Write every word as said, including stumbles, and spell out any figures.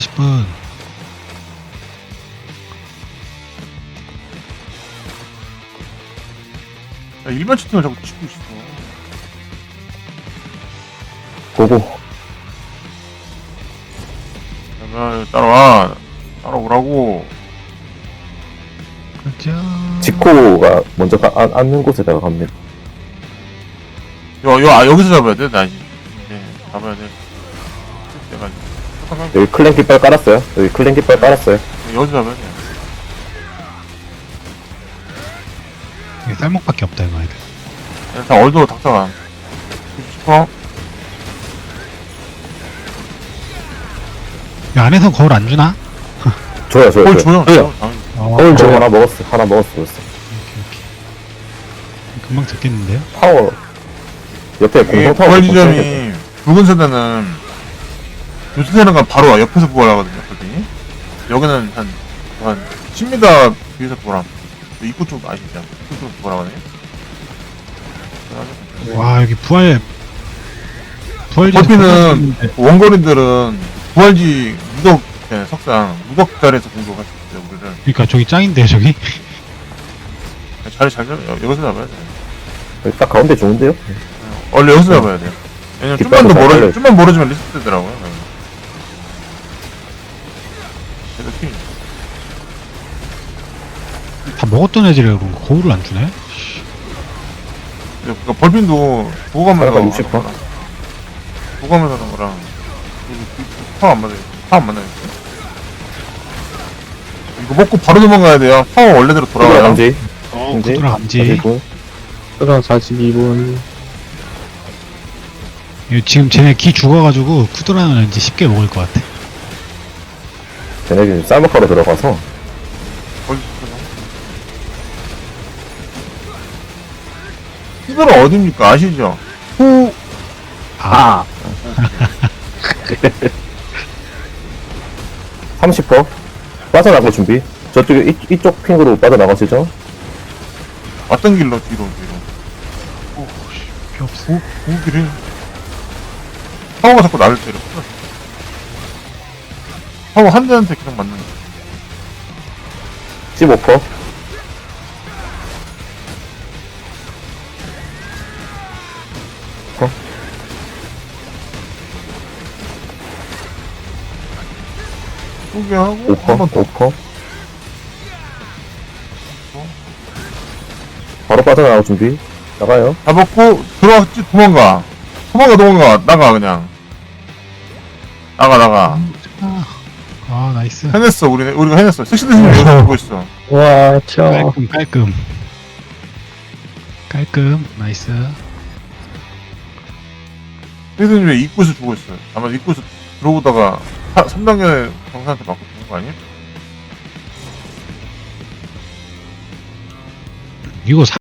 십 분. 야, 일반 채팅을 자꾸 치고 있어. 고고. 야, 따라와. 따라오라고. 가자. 지코가 먼저 가, 안, 앉는 곳에다가 갑니다. 여, 여, 아, 여기서 잡아야 돼? 나 이제. 네, 잡아야 돼. 내가 이제. 여기 클랜 깃발 깔았어요. 여기 클랜 깃발 깔았어요. 여기서 잡아야 돼. 이게 쌀목밖에 없다 이거 아이들. 야, 다 얼도 닥쳐가. 싶어? 이 안에서 거울 안 주나? 줘요, 줘요, 뭘 줘요. 줘요? 줘요. 당연히. 어, 거울 저 오케이, 하나 먹었어. 하나 먹었어, 벌써. 오케이. 금방 듣겠는데요? 파워. 옆에 이 공성 타워. 부활 지점이 붉은 세대는 요새 세대가 바로 와. 옆에서 부활하거든요. 거기. 여기는 한, 한 십 미터 뒤에서 부활함. 입구 쪽 아시죠? 입구 쪽 부활하거든요. 와 여기 부활 부활지 커피는 원거리들은 부활지 무덕 네, 석상 무덕 자리에서 공격할 수 있어요. 우리를 그러니까 저기 짱인데 저기. 자리 잘 잡아. 여기서 잡아야 돼. 여기 딱 가운데 좋은데요? 원래 여기서 잡아야 돼. 왜냐면 좀만 더 깃발도 잘 멀어, 달려요. 좀만 멀어지면 리스트 되더라고요. 그래서 팀. 다 먹었던 애들이라 그런 거 거울을 안 주네? 그러니까 벌빈도 보고 가면서 약간 육십 퍼? 보고 가면서 하는 거랑 파워 안 맞아요. 파워 안 맞아요. 이거 먹고 바로 도망가야 돼요. 파워 원래대로 돌아 돌아가요. 감지. 어 감지. 구두라 감지. 그럼 사십이 분. 이거 지금 쟤네 기 죽어가지고 쿠드라는 이제 쉽게 먹을 것 같아. 쟤네들 쌀먹하러 들어가서. 어디 히드라 어딥니까? 아시죠? 후 아, 삼십 퍼. 빠져나갈 준비. 저쪽에 이, 이쪽 핑으로 빠져나가시죠? 왔던 길로 뒤로 뒤로. 오씨 필요 없어. 오 오길이. 파워가 자꾸 나를 때려. 파워 한 대한테 계속 맞는. 거야. 십오 퍼. 포기하고 오 퍼. 한번 더. 오 퍼. 바로 빠져나갈 준비. 나가요. 잡았고 들어왔지 도망가. 도망가 도망가 나가 그냥. 나가 나가. 아, 아 나이스. 해냈어 우리 우리가 해냈어. 섹시드님 여기 보고 있어. 와, 쳐. 깔끔 깔끔. 깔끔 나이스. 섹시드님 왜 입구에서 죽고 있어. 아마 입구에서 들어오다가 삼 단계 경사한테 맞고 죽은 거 아니야? 이거